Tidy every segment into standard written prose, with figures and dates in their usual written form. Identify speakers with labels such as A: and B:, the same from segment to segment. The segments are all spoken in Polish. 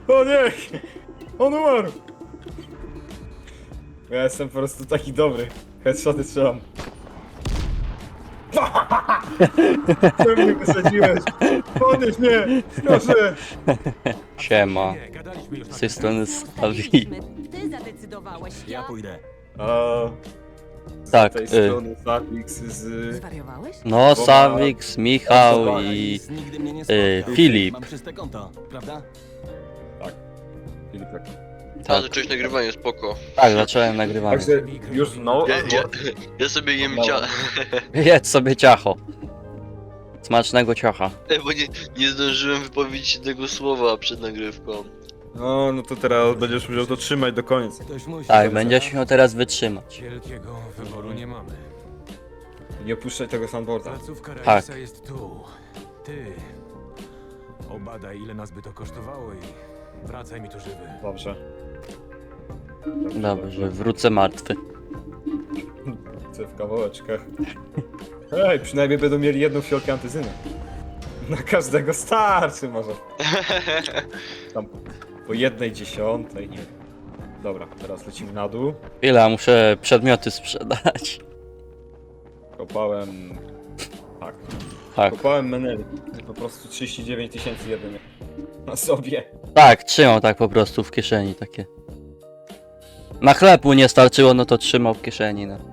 A: O nie! On umarł! Ja jestem po prostu taki dobry. Headshoty strzelam. Czemu mnie wysadziłeś? Podnieś mnie! Proszę!
B: Siema.
C: Nie, gadaliśmy już na
B: Z tej strony Stawi.
D: Ty zadecydowałeś,
C: Ja pójdę.
A: A z
B: Tak,
A: tej strony Zapix z...
D: Zwariowałeś?
B: No, Sawix, Michał i
C: Nigdy mnie nie
B: Filip.
C: Mam czyste konto, prawda?
A: Filipek.
E: A, zacząłeś nagrywanie, spoko.
B: Tak, zacząłem nagrywanie.
A: Także już no...
E: Ja sobie jem
B: Jedz sobie ciacho. Smacznego ciacha.
E: bo nie zdążyłem wypowiedzieć tego słowa przed nagrywką.
A: No to teraz będziesz musiał to trzymać do końca.
C: Ktoś musi.
B: Tak, będziesz miał teraz wytrzymać.
C: Wielkiego wyboru nie mamy.
A: Nie opuszczaj tego sandboarda.
C: Placówka
B: Tak.
C: Raisa jest tu. Ty. Obadaj, ile nas by to kosztowało i wracaj mi tu żywy.
A: Dobrze.
B: Dobrze, wrócę martwy.
A: Chcę w kawałeczkach. Ej, przynajmniej będą mieli jedną fiolkę antyzyny. Na każdego starczy może. Tam po 1/10, nie. Dobra, teraz lecimy na dół.
B: Chwila, muszę przedmioty sprzedać.
A: Kopałem... Tak.
B: Tak,
A: Kopałem meneli. Po prostu 39 000 jedynie. Na sobie.
B: tak, trzymał tak po prostu w kieszeni takie. Na chleb mu nie starczyło, no to trzymał w kieszeni, no.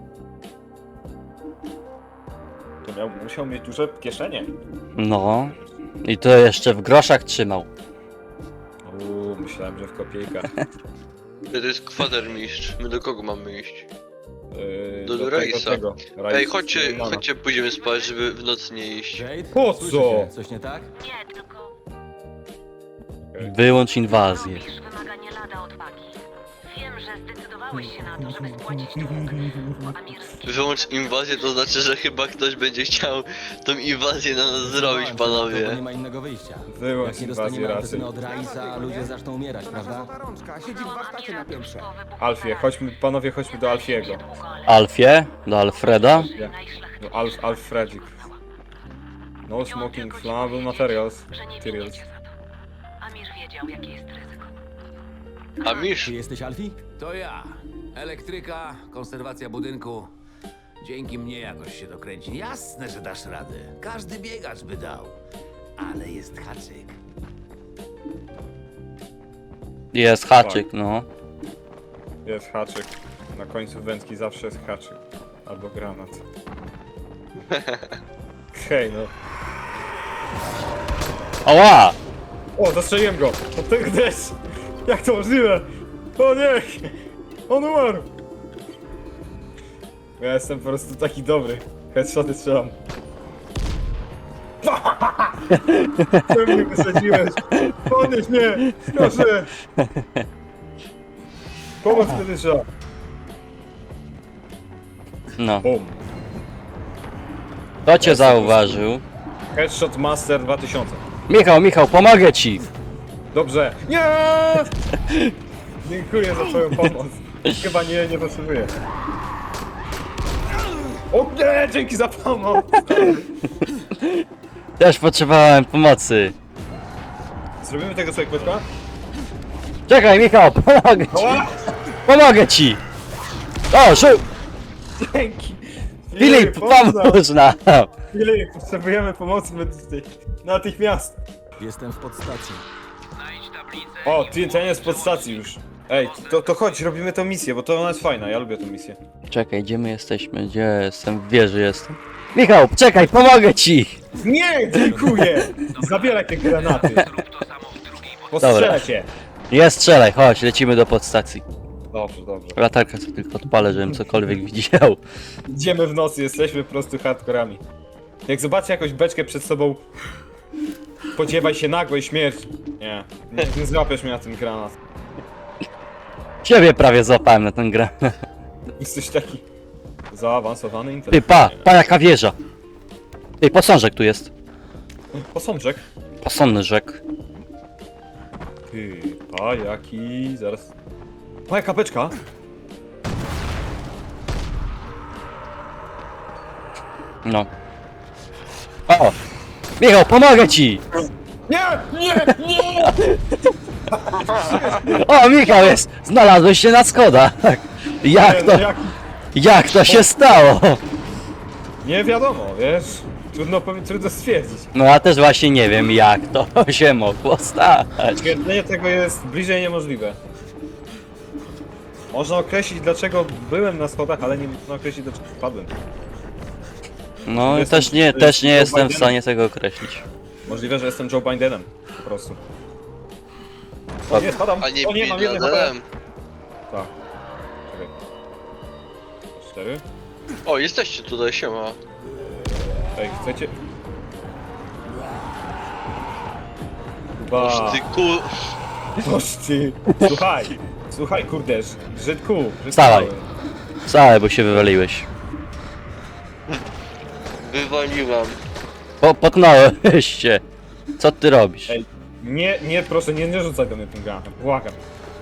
A: To musiał mieć duże kieszenie.
B: No. I to jeszcze w groszach trzymał.
A: Myślałem, że w kopiejkach.
E: To jest kwatermistrz. My do kogo mamy iść? Do
A: tego
E: Raisa.
A: Raisa
E: Ej, chodźcie,
A: Suleimana.
E: chodźcie, pójdziemy spać, żeby w nocy nie iść.
C: Jade?
A: Po co?
C: Słyszycie? Coś nie tak?
D: Nie, tylko
B: Wyłącz inwazję.
D: robisz wymaga nie lada odwagi. Wiem, że zdecydowałeś się na to, żeby spłacić dług. Amirski
E: Wyłącz inwazję, to znaczy, że chyba ktoś będzie chciał tą inwazję na nas zrobić,
C: Bo
E: panowie.
C: nie ma innego wyjścia.
A: Wyłącz
C: Jak nie
A: inwazję
C: dostaniemy
A: rasy.
C: antyzyny od Raisa, ludzie zaczną umierać, prawda?
F: Siedzi w warsztacie na piętrze.
A: Alfie, chodźmy, panowie, chodźmy do Alfiego.
B: Alfie, do Alfreda.
A: Do Alfredzik. No smoking flammable materials.
D: że nie
A: Materials.
D: winiecie za to. Amir wiedział, jakie jest ryzyko.
E: A Misz?
C: Ty jesteś Alfie?
F: To ja. Elektryka, konserwacja budynku. Dzięki mnie jakoś się dokręci. Jasne, że dasz radę. Każdy biegacz by dał. Ale jest haczyk.
B: Jest haczyk, no.
A: Jest haczyk. Na końcu wędki zawsze jest haczyk. Albo granat. Hej no.
B: Ała!
A: O, zastrzeliłem go! To ty gdzieś! Jak to możliwe? O nie! On umarł! Ja jestem po prostu taki dobry. Headshoty strzelam. Czemu mnie wysadziłeś? Podnieś mnie! Proszę! Pomoc medyczna!
B: No.
A: Bum.
B: Kto cię zauważył?
A: Headshot Master 2000.
B: Michał, pomogę ci!
A: Dobrze. Nie! Dziękuję za twoją pomoc. Chyba nie potrzebuję. O nie! Dzięki za pomoc!
B: Też potrzebowałem pomocy.
A: Zrobimy tego sobie kwiatka?
B: Czekaj, Michał, pomogę ci!
A: Ała!
B: Pomogę ci! O,
A: Dzięki!
B: Filip, pomóż nam!
A: Filip, potrzebujemy pomocy medycznej. Natychmiast!
C: Jestem w podstacji.
A: O, ten jest pod stacji już. Ej, to chodź, robimy tę misję, bo to ona jest fajna, ja lubię tę misję.
B: Czekaj, gdzie my jesteśmy? Gdzie jestem? W wieży jestem. Michał, czekaj, pomogę ci!
A: Nie, dziękuję! Zabieraj te granaty. Postrzelę cię.
B: Nie strzelaj, chodź, lecimy do podstacji.
A: Dobrze, dobrze.
B: Latarkę sobie tylko odpalę, żebym cokolwiek widział.
A: Idziemy w nocy, jesteśmy po prostu hardkorami. Jak zobaczę jakąś beczkę przed sobą, spodziewaj się nagłej śmierci. Nie złapiesz mnie na ten granat.
B: Ciebie prawie złapałem na ten grę.
A: Jesteś taki zaawansowany
B: Ty,
A: intelekt.
B: pa jaka wieża. Ty, posążek tu jest.
A: Posążek.
B: Posążek.
A: Ty, a jaki, zaraz. O, jaka beczka?
B: No. O! Michał, pomogę ci!
A: Nie, nie, nie!
B: O, Michał jest! Znalazłeś się na schodach! Jak to, jak to się stało?
A: Nie wiadomo, wiesz? Trudno stwierdzić.
B: No ja też właśnie nie wiem, jak to się mogło stać.
A: Stwierdzenie tego jest bliżej niemożliwe. Można określić, dlaczego byłem na schodach, ale nie można określić, dlaczego spadłem.
B: No
A: Jestem-
B: też nie
A: Joe
B: jestem w
A: Bidenem.
B: stanie tego określić.
A: Możliwe, że jestem Joe Bidenem. Po prostu. O
B: Tak.
A: nie, spadam!
E: A nie
A: O nie, mam
E: Bin
A: jeden HP!
E: Ladenem.
A: Tak. Czekaj. 4.
E: O, jesteście tutaj, siema.
A: Ej, chcecie?
E: Boż
A: Ba.
E: ty
A: Boż ty. Słuchaj, kurde, Żydku.
B: Wstawaj. Wcale, bo się wywaliłeś.
E: wywaliłam.
B: Potknąłeś się. Co ty robisz?
A: Ej, nie, proszę, nie rzucaj do mnie tym granatem, błagam.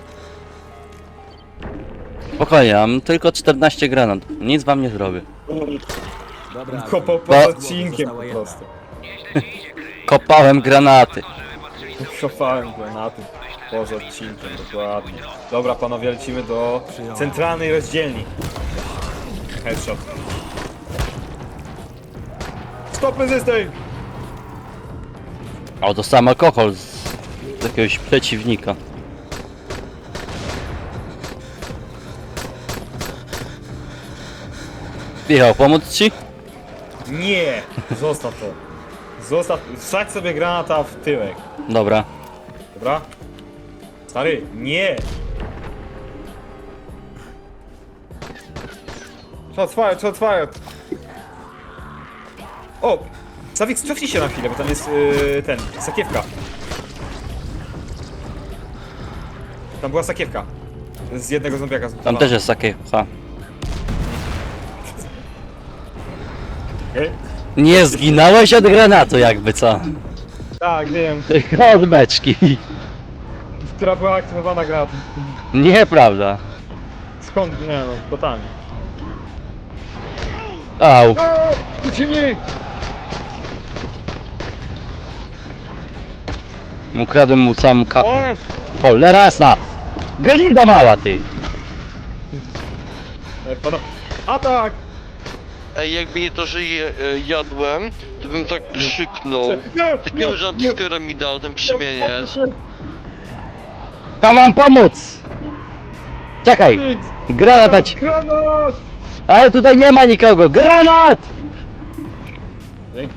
B: Spokojnie, mam tylko 14 granat. Nic wam nie zrobię.
F: Dobra,
A: Kopał
B: Bo-
A: pod odcinkiem po prostu.
B: Kopałem granaty.
A: Kopałem granaty poza odcinkiem, dokładnie. Dobra, panowie, lecimy do centralnej rozdzielni. Headshot. Stop resisting!
B: O, dostałem alkohol z jakiegoś przeciwnika. Michał, pomóc ci?
A: Nie! Zostaw to. Wsadź sobie granata w tyłek.
B: Dobra.
A: Dobra? Stary, nie! Shots fired! O! Zawik, cofnij się na chwilę, bo tam jest sakiewka. Tam była sakiewka. Z jednego zombiaka.
B: Tam też jest takie. Ha.
A: Okay.
B: Nie zginąłeś od granatu jakby co?
A: Tak, wiem.
B: Tylko od beczki.
A: Która była aktywowana granatem.
B: Nieprawda.
A: Skąd? Nie no, totalnie.
B: Au.
A: Ucieknij!
B: Ukradłem mu sam ka...
A: O!
B: Cholera jasna! Glinda mała ty!
A: Atak!
E: Ej, jakby nie to, że jadłem, to bym tak krzyknął. Takiego jumpscare'a mi dał ten przemieniec.
B: Tam mam pomóc! Czekaj! Granat dać!
A: Granat!
B: Ale tutaj nie ma nikogo! Granat!
A: Dzięki.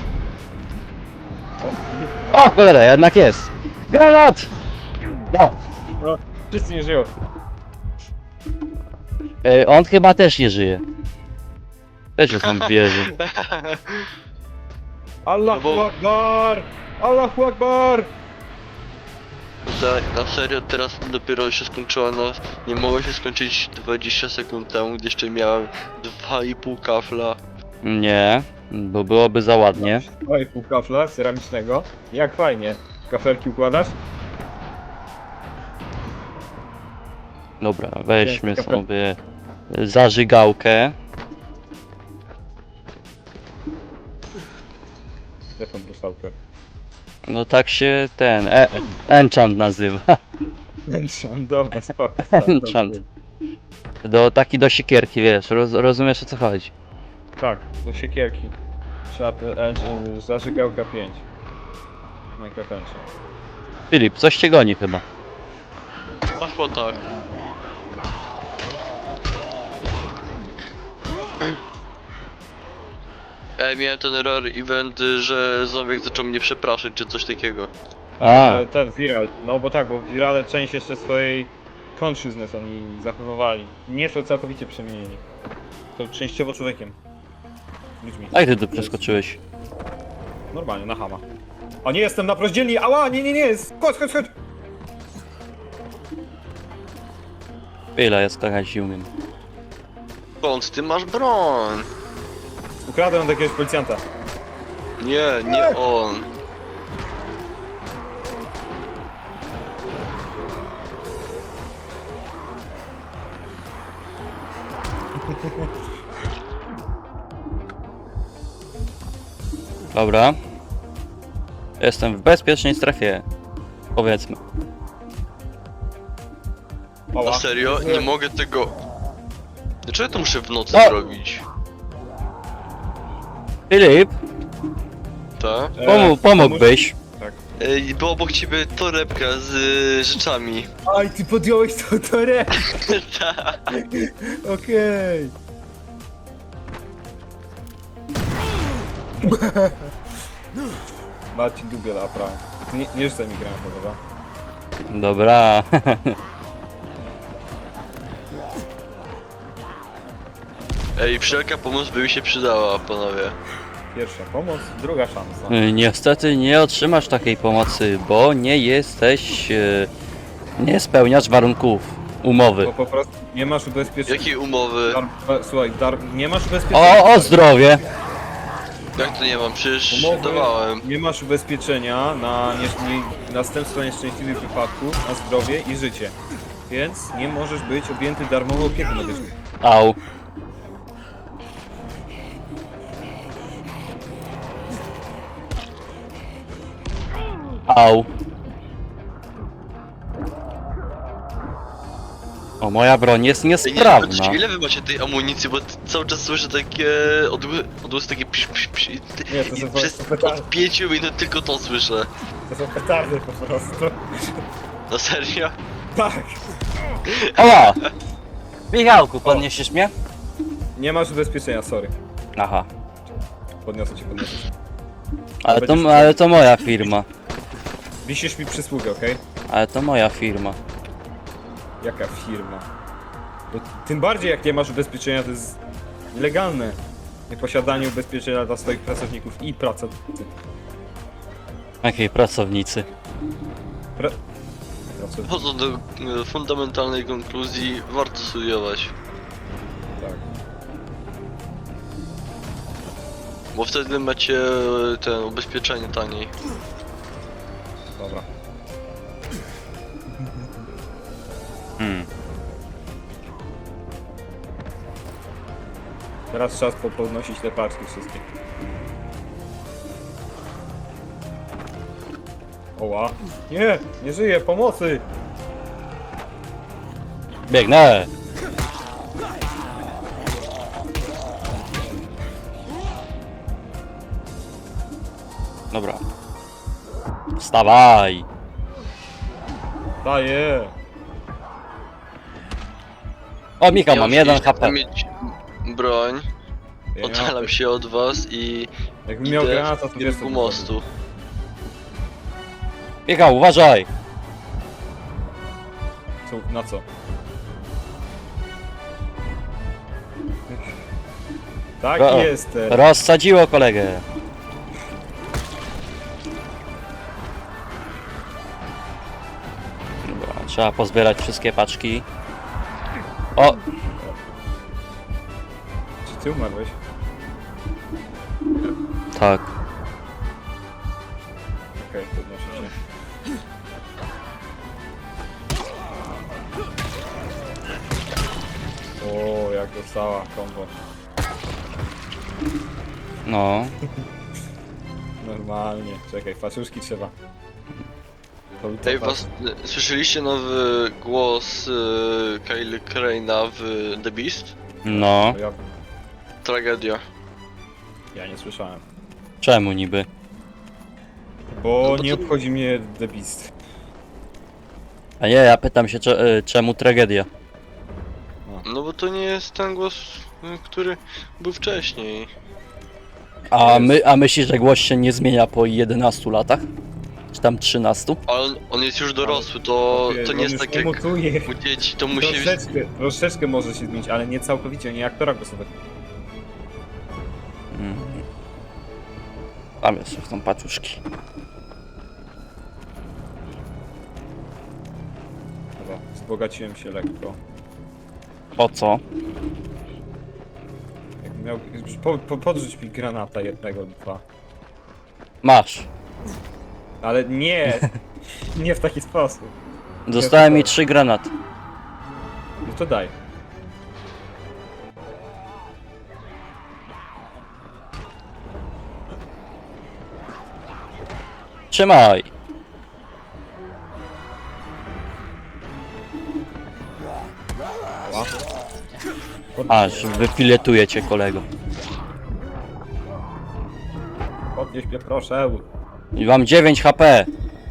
B: O cholera, jednak jest! Granat! No.
A: No, wszyscy nie żyją.
B: On chyba też nie żyje. Też jest tam w wieży.
A: Allahu
E: No bo-
A: Akbar! Allahu Akbar!
E: Na serio, teraz dopiero się skończyła, no nie mogło się skończyć 20 sekund temu, gdy jeszcze miałem 2,5 kafla.
B: Nie, bo byłoby za ładnie.
A: Oj, pół kafla ceramicznego. Jak fajnie. Kafelki układasz?
B: Dobra, weźmy
A: Dzięki.
B: sobie zażygałkę.
A: Gdzie tą bruszałkę?
B: No tak się ten enchant nazywa.
A: Dobra, spoko.
B: Enchant. Taki do siekierki, wiesz, rozumiesz o co chodzi.
A: Tak, do siekierki. Trzeba zażygałka 5. Minecraft Enchant.
B: Filip, coś cię goni chyba.
E: Poszło tak. Miałem ten rare event, że zombie zaczął mnie przepraszać, czy coś takiego.
B: A,
A: Ten viral, no bo tak, bo virale część jeszcze swojej consciousness oni zachowywali. Nie są całkowicie przemienieni. To częściowo człowiekiem. Ludźmi.
B: a jak ty tu przeskoczyłeś?
A: Normalnie, na hama. O nie, jestem na rozdzielni! Ała, nie! Chodź!
B: Chwila, ja skakać nie umiem.
E: Skąd ty masz broń?
A: Ukradłem od jakiegoś policjanta.
E: Nie on.
B: Dobra. Jestem w bezpiecznej strefie. Powiedzmy.
A: Oła.
E: Na serio? Nie mogę tego... Dlaczego to muszę w nocy
B: O!
E: zrobić?
B: Filip,
E: Tak?
B: pomógłbyś.
E: Była obok ciebie torebka z rzeczami.
A: Aj, ty podjąłeś tą torebkę.
E: Tak.
A: Okej. Marcin Dubiel, a prawo. Nie rzucaj mi granatu, dobra?
B: Dobra.
E: Ej, wszelka pomoc by mi się przydała, panowie.
A: Pierwsza pomoc, druga szansa.
B: Niestety nie otrzymasz takiej pomocy, bo nie jesteś... nie spełniasz warunków umowy.
A: Bo po prostu nie masz ubezpieczenia.
E: Jakie umowy?
A: Słuchaj, nie masz ubezpieczenia.
B: O zdrowie!
E: Jak to nie mam? Przecież
A: Umowy,
E: dawałem.
A: nie masz ubezpieczenia na następstwa nieszczęśliwych wypadków, na zdrowie i życie. Więc nie możesz być objęty darmową opieką medyczną.
B: Au. Au. O, moja broń jest
E: Ej, nie,
B: niesprawna.
E: patrzcie, ile wy macie tej amunicji, bo cały czas słyszę takie odgłosy takie psz.
A: Nie, to są
E: Przez
A: po prostu
E: od 5 minut tylko to słyszę.
A: To są petardy po prostu.
E: Na serio?
A: Tak!
B: Oła! Michałku, podniesiesz mnie?
A: Nie masz ubezpieczenia, sorry.
B: Aha.
A: Podniosę cię.
B: Ale to moja firma.
A: Wisisz mi przysługę, okej?
B: Ale to moja firma.
A: Jaka firma? Bo tym bardziej jak nie masz ubezpieczenia, to jest nielegalne. Nieposiadanie ubezpieczenia dla swoich pracowników i pracownicy.
B: Jakiej pracownicy?
A: Pracownicy,
E: Wchodząc do fundamentalnej konkluzji, warto studiować.
A: tak.
E: Bo wtedy macie ten ubezpieczenie taniej.
A: Dobra. Teraz czas podnosić te paczki wszystkie. Oła. Nie! Nie żyję! Pomocy!
B: Biegnę! Dobra. Wstawaj!
A: Daję!
B: O, Michał, mam
E: Ja
B: 1
E: już
B: HP.
E: chcę mieć broń,
A: Ja
E: oddalam się od was i
A: Jakbym miał
E: idę
A: granata,
E: w
A: to wiesz co
E: kierunku
A: bym
E: mostu.
B: Michał, uważaj!
A: zrobił. Na co? Tak
B: O,
A: jest!
B: Rozsadziło kolegę. Dobra, trzeba pozbierać wszystkie paczki. O,
A: Czy ty umarłeś?
B: tak.
A: Okej, podnoszę się. O, jak dostała kombo.
B: No.
A: Normalnie. Czekaj, paczuszki trzeba. To był to
E: Ej, słyszeliście nowy głos Kyle Crane'a w The Beast?
B: No.
A: Ja,
E: Tragedia.
A: ja nie słyszałem.
B: Czemu niby?
A: Bo
E: No bo
A: nie
E: to-
A: obchodzi mnie The Beast.
B: A nie, ja pytam się, czemu tragedia?
E: No bo to nie jest ten głos, który był wcześniej.
B: A myślisz, że głos się nie zmienia po 11 latach? Czy tam 13?
E: Ale on jest już dorosły, to
A: On
E: nie jest
A: już
E: tak jak
A: emotuje.
E: u dzieci, to musi być...
A: Troszeczkę może się zmienić, ale nie całkowicie, nie aktora głosowego.
B: Tam jeszcze są paczuszki.
A: Dobra, wzbogaciłem się lekko.
B: Po co?
A: Jakbym miał... Podrzuć mi granata jednego, dwa.
B: Masz.
A: Ale nie! Nie w taki sposób.
B: Dostałem mi 3 granaty.
A: No to daj.
B: Trzymaj. Aż wyfiletuję cię, kolego.
A: Podnieś mnie proszę.
B: I mam 9 HP.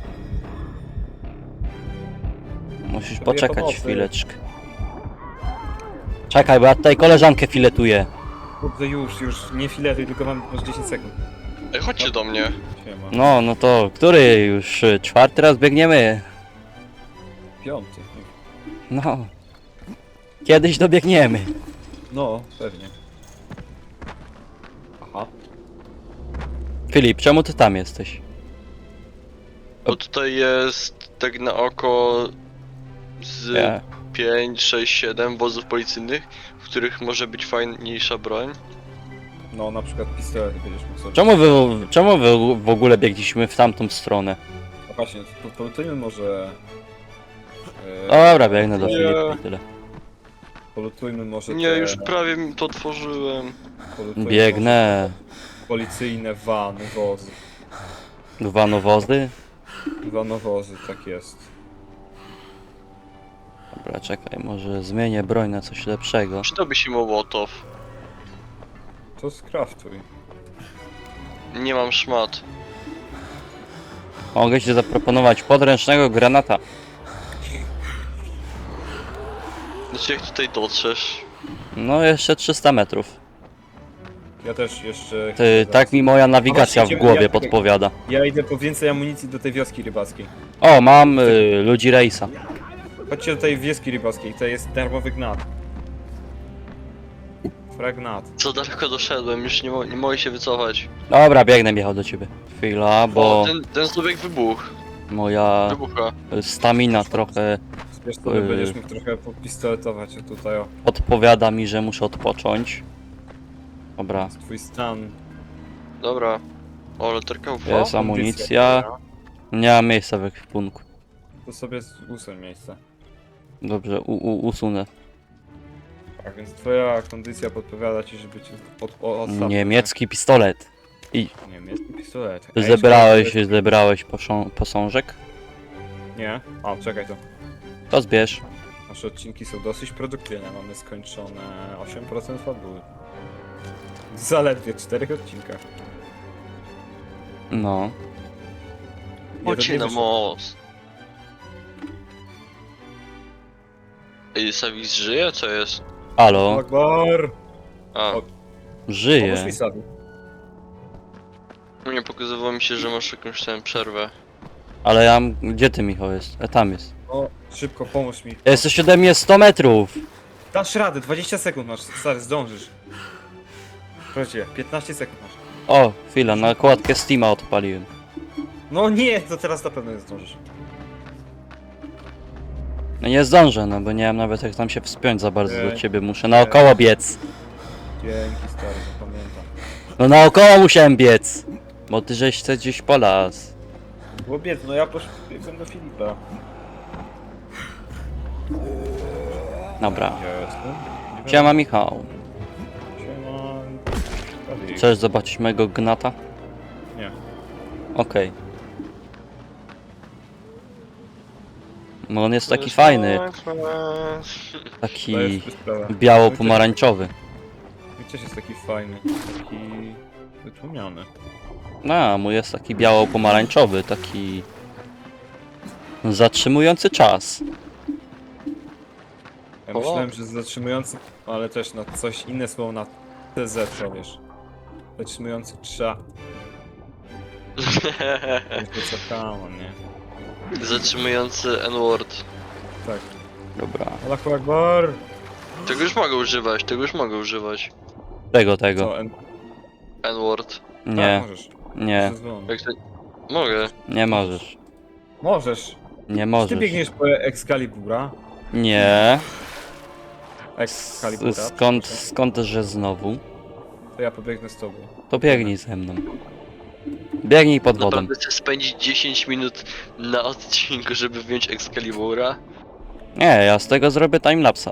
B: Musisz
A: Potrzebuję
B: poczekać
A: pomocy.
B: chwileczkę. Czekaj, bo ja tutaj koleżankę filetuję.
A: Kurde, już, nie filetuj, tylko mam już 10 sekund.
E: Ej, chodźcie do mnie.
A: Siema.
B: No to który już? 4. raz biegniemy.
A: 5.
B: No. Kiedyś dobiegniemy.
A: No, pewnie. Aha.
B: Filip, czemu ty tam jesteś?
E: Bo tutaj jest tak na oko z
B: Ja.
E: 5, 6, 7 wozów policyjnych, w których może być fajniejsza broń.
A: No, na przykład pistolet będziesz mógł sobie...
B: Czemu wy w ogóle biegliśmy w tamtą stronę?
A: A właśnie, polutujmy może...
B: Dobra, biegnę do
E: Nie.
B: Filipa i tyle.
A: Polutujmy może
E: Nie,
A: te...
E: już prawie mi to tworzyłem.
A: polutujmy
B: Biegnę.
A: może policyjne wany, wozy.
B: Wanowozy?
A: Wanowozy, tak jest.
B: Dobra, czekaj, może zmienię broń na coś lepszego.
E: Przydałby się Mołotow.
A: To skraftuj.
E: Nie mam szmat.
B: Mogę ci zaproponować podręcznego granata.
E: Znaczy jak tutaj dotrzesz?
B: No jeszcze 300 metrów.
A: Ja też jeszcze...
B: Ty, tak mi moja nawigacja w
A: Właśnie,
B: głowie
A: ja-
B: podpowiada.
A: Ja idę po więcej amunicji do tej wioski rybackiej.
B: O, mam ludzi rejsa.
A: Chodźcie do tej wioski rybackiej, to jest darmowy gnat. Fragnat.
E: Co daleko doszedłem, już nie mogę się wycofać.
B: Dobra, biegnę Michał do ciebie. Chwila, bo
E: O, ten zdobieg wybuch.
B: moja
E: Wybucha.
B: stamina trochę
A: Wiesz co, będziesz mógł trochę popistoletować tutaj, o.
B: podpowiada mi, że muszę odpocząć. Dobra,
A: Jest twój stan.
E: Dobra. O, leterka UV?
B: jest amunicja. Nie ma miejsca w ekwipunku.
A: To sobie usuń miejsce.
B: Dobrze, usunę.
A: Tak, więc twoja kondycja podpowiada ci, żeby cię odstawić.
B: Niemiecki pistolet.
A: Niemiecki pistolet.
B: Zebrałeś posążek?
A: Nie? A, czekaj to.
B: To zbierz.
A: Nasze odcinki są dosyć produktywne. Mamy skończone 8% fabuły. W zaledwie 4 odcinkach.
B: No.
E: Chodźcie na most. Ej, Savis żyje? Co jest?
B: Halo,
A: Akbar!
E: A,
A: O. Pomóż
B: żyje.
A: mi Sabi.
E: nie pokazywało mi się, że masz jakąś tam przerwę.
B: Ale ja... Gdzie ty, Michał, jest? Tam jest.
A: O, szybko, pomóż mi.
B: Jesteś ode mnie 100 metrów.
A: Dasz radę, 20 sekund masz, stary, zdążysz. Proszę, 15 sekund masz.
B: O, chwila, nakładkę Steama odpaliłem.
A: No nie, to teraz na pewno nie zdążysz.
B: No nie zdążę, no bo nie wiem nawet jak tam się wspiąć za bardzo do
A: Ej.
B: ciebie. Muszę naokoło biec.
A: Dzięki, stary, pamiętam.
B: No naokoło musiałem biec. Bo ty żeś chce gdzieś po las.
A: Było biec, no ja poszedłem do Filipa.
B: Dobra.
A: Ja jestem.
B: Siema Michał.
A: Siema. Adi.
B: Chcesz zobaczyć mojego gnata?
A: Nie.
B: Okej. No on jest taki fajny.
A: To
B: Taki
A: jest sprawa.
B: biało-pomarańczowy.
A: Gdzieś jest taki fajny, taki wytłumiony.
B: No, a mój jest taki biało-pomarańczowy, taki zatrzymujący czas.
A: Ja
E: O.
A: myślałem, że zatrzymujący, ale też na coś inne słowo na TZ, to wiesz. Zatrzymujący trza. To co tam, nie?
E: Zatrzymujący N-word.
A: Tak.
B: Dobra.
A: Allahu Akbar!
E: Tego już mogę używać, tego już mogę używać.
B: Tego.
A: Co,
E: N-word.
A: Tak,
B: Nie,
A: możesz.
B: nie,
A: Zezwolony.
E: Jak to... Mogę.
B: nie możesz.
A: Możesz.
B: Nie
A: Ty
B: możesz.
A: biegniesz po Excalibura.
B: Nie.
A: Excalibura.
B: Skąd, że znowu?
A: To ja pobiegnę z tobą.
B: To biegnij ze mną. Biegnij pod wodą.
E: Naprawdę chcę spędzić 10 minut na odcinku, żeby wziąć Excalibura?
B: Nie, ja z tego zrobię timelapsa.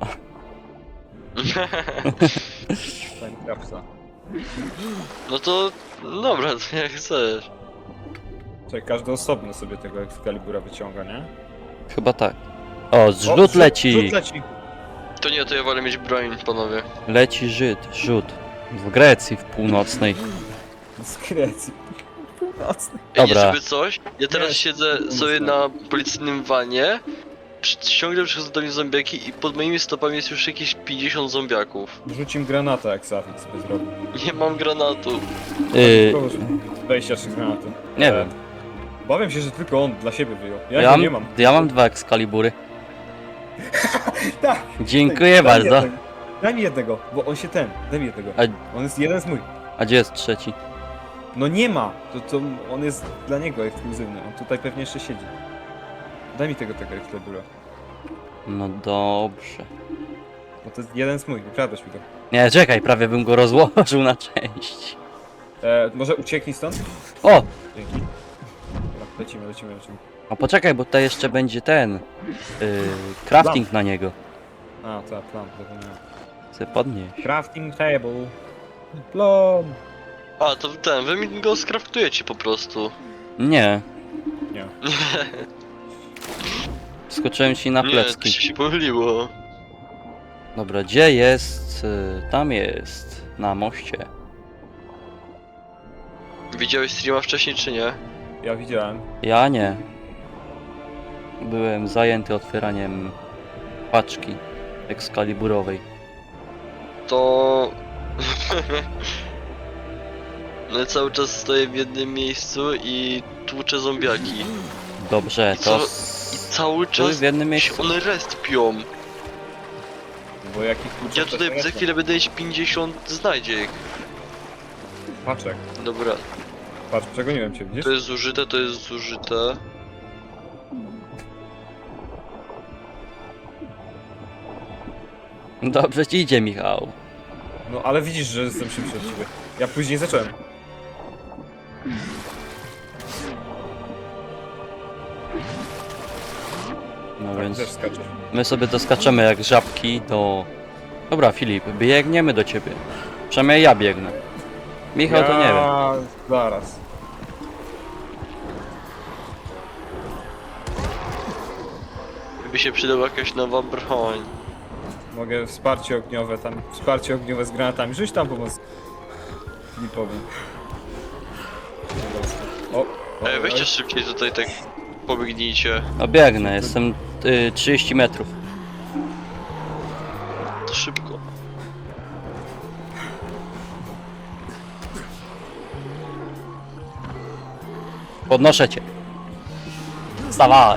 A: Timecapsa.
E: No to... Dobra, to jak chcesz.
A: Czekaj, każdy osobno sobie tego Excalibura wyciąga, nie?
B: Chyba tak. O,
A: O,
B: zrzut leci!
A: Zrzut leci!
E: To nie, to ja wolę mieć broń, panowie.
B: Leci rzut. W Grecji, w północnej.
A: Z Grecji. Północny.
E: Ej,
B: Dobra.
E: żeby coś, ja teraz
A: Nie,
E: siedzę sobie na policyjnym wanie, ciągle przychodzą do mnie zombiaki i pod moimi stopami jest już jakieś 50 zombiaków.
A: Rzuć im granata, jak Safix by zrobił.
E: Nie mam granatu.
A: Kogoś 23 granaty.
B: Nie wiem.
A: Bawiam się, że tylko on dla siebie wyjął. Ja,
B: Ja
A: nie mam.
B: ja mam 2 Excalibury.
A: Tak.
B: Dziękuję
A: Daj mi
B: bardzo.
A: jednego. Daj mi jednego, bo on się daj mi jednego.
B: A-
A: On jest jeden z mój.
B: A gdzie jest trzeci?
A: No nie ma! To on jest dla niego ekskluzywny. On tutaj pewnie jeszcze siedzi. Daj mi tego Excalibura.
B: No dobrze.
A: Bo to jest jeden z mój, ukradłeś mi go.
B: Nie, czekaj, prawie bym go rozłożył na części.
A: Może ucieknij stąd?
B: O!
A: Dzięki. Dobra, lecimy.
B: A poczekaj, bo tutaj jeszcze będzie ten... crafting na niego.
A: A, tak, plan, zapomniałem.
B: Chcę podnieść.
A: Crafting table. Plan.
E: A, to wy mi go skraftujecie po prostu.
B: Nie,
A: Nie.
B: skoczyłem ci na
E: Nie, to
B: plecki.
E: się pomyliło.
B: Dobra, gdzie jest? Tam jest. Na moście.
E: Widziałeś streama wcześniej czy nie?
A: Ja widziałem.
B: Ja nie. Byłem zajęty otwieraniem paczki Excaliburowej.
E: To... No ja cały czas stoję w jednym miejscu i tłuczę zombiaki.
B: Dobrze,
E: I co-
B: to...
E: I cały
B: Tu
E: czas
B: w jednym
E: się
B: miejscu.
E: one respią.
A: Bo jakich kluczów
E: Ja
A: też
E: tutaj
A: nie
E: za
A: znam.
E: chwilę będę mieć 50 znajdziek.
A: Paczek.
E: Dobra,
A: Patrz, przegoniłem cię, widzisz?
E: to jest zużyte, to jest zużyte.
B: Dobrze ci idzie, Michał.
A: No ale widzisz, że jestem szybszy od ciebie. Ja później zacząłem.
B: No
A: Tak,
B: więc
A: też skaczesz.
B: my sobie doskaczemy jak żabki do... Dobra, Filip, biegniemy do ciebie. Przynajmniej ja biegnę. Michał to nie wiem.
A: Zaraz.
E: By się przydała jakaś nowa broń.
A: Mogę wsparcie ogniowe tam. Wsparcie ogniowe z granatami. Rzuć tam pomoc. Nie powiem. O!
E: Ej, weźcie szybciej tutaj tak pobiegnijcie.
B: No biegnę, jestem 30 metrów.
E: To szybko.
B: Podnoszę cię. Wstawaj.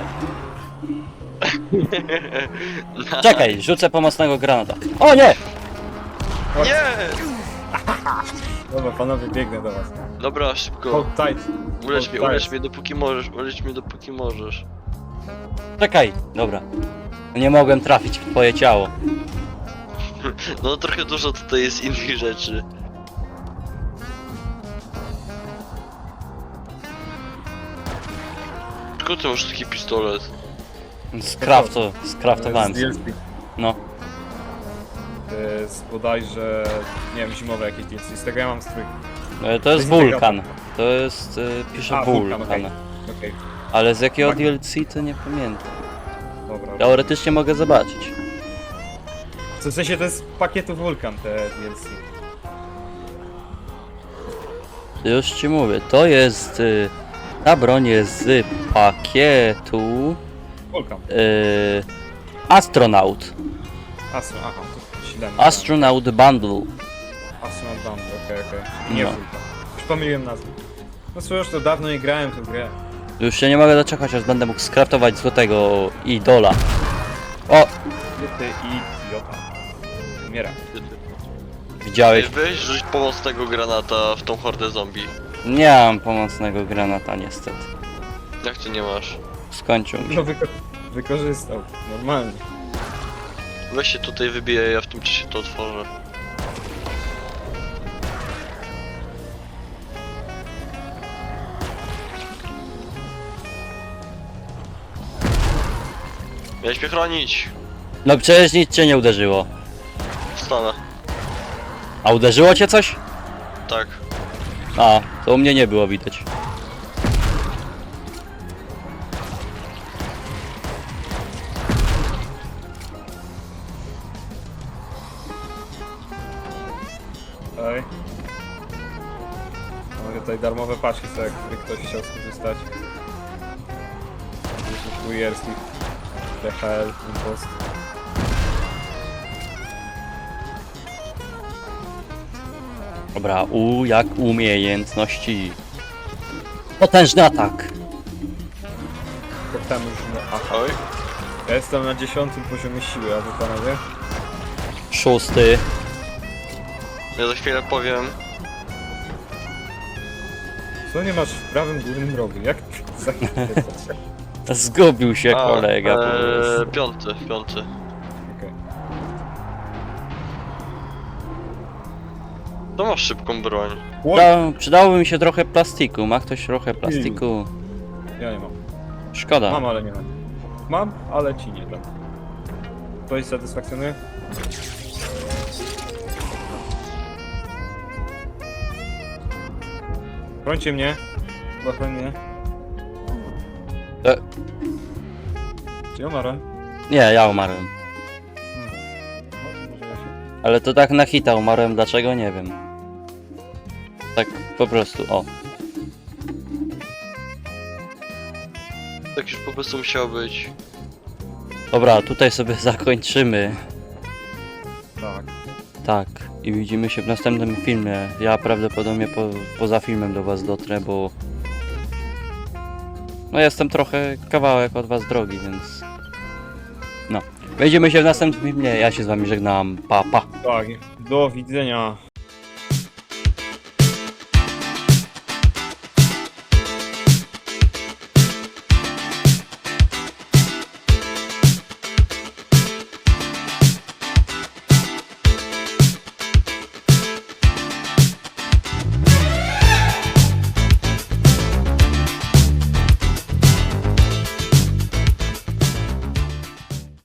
B: Czekaj, rzucę pomocnego granata. O nie!
E: Nie!
A: Dobra, panowie, biegnę do was.
E: Dobra, szybko.
A: Hold tight.
E: Ulecz mnie dopóki możesz, ulecz mnie dopóki możesz.
B: Czekaj, dobra. Nie mogłem trafić w twoje ciało.
E: No trochę dużo tutaj jest innych rzeczy. Tylko ty masz taki pistolet.
B: Skraftowałem
A: Z
B: sobie.
A: DLC.
B: No.
A: To jest bodajże, nie wiem, zimowe jakieś DLC. Z tego ja mam strój.
B: To jest wulkan. To jest... pisze
A: A,
B: wulkan.
A: wulkan, okej.
B: Ale z jakiego
A: Tak.
B: DLC to nie pamiętam.
A: Dobra.
B: Teoretycznie mogę zobaczyć.
A: W sensie to jest z pakietu Wulkan te DLC.
B: Już ci mówię, to jest... ta broń jest z pakietu...
A: Wulkan.
B: Astronaut.
A: Aha, to źle.
B: Astronaut Bundle.
A: Astronaut Band, okej. Nie
B: No.
A: Wulkan. Już pomyliłem nazwę. No cóż, to dawno nie grałem w tę grę.
B: Już się nie mogę doczekać, aż będę mógł skraftować złotego idola. O!
A: Ty idiota. Umiera.
B: Widziałeś?
E: Weź rzuć pomocnego granata w tą hordę zombie.
B: Nie mam pomocnego granata niestety.
E: Jak ty nie masz?
B: Skończył mi się.
A: No wykorzystał. Normalnie.
E: Weź się tutaj wybiję, ja w tym czasie to otworzę. Miałeś mnie chronić.
B: No przecież nic cię nie uderzyło.
E: Wstanę.
B: A uderzyło cię coś?
E: Tak.
B: A, to u mnie nie było widać.
A: Ej. Mamy tutaj darmowe paczki, co jakby ktoś chciał skorzystać. Jakieś kurierskich. DHL, Impost.
B: Dobra, jak umiejętności. Potężny atak.
A: Potężny atak.
E: Oj.
A: Ja jestem na 10. poziomie siły, a wy panowie?
B: 6.
E: Ja za chwilę powiem.
A: Co nie masz w prawym górnym rogu? Jak ty za chwilę?
B: Zgubił się kolega po prostu.
E: Piąty.
A: Okej.
E: To masz szybką broń.
B: Przydałoby mi się trochę plastiku. Ma ktoś trochę plastiku?
A: Ja nie mam.
B: Szkoda.
A: Mam, ale nie mam. Mam, ale ci nie dam. Ktoś satysfakcjonuje? Brońcie mnie. Łapę mnie.
B: E.
A: Czy ja umarłem?
B: Nie, ja umarłem.
A: No, może ja się...
B: Ale to tak na hita umarłem, dlaczego nie wiem. Tak po prostu, o.
E: Tak już po prostu musiało być.
B: Dobra, tutaj sobie zakończymy.
A: Tak.
B: Tak, i widzimy się w następnym filmie. Ja prawdopodobnie poza filmem do was dotrę, bo... No jestem trochę kawałek od was drogi, więc... No. Widzimy się w następnym filmie, ja się z wami żegnam, pa pa.
A: Tak. Do widzenia.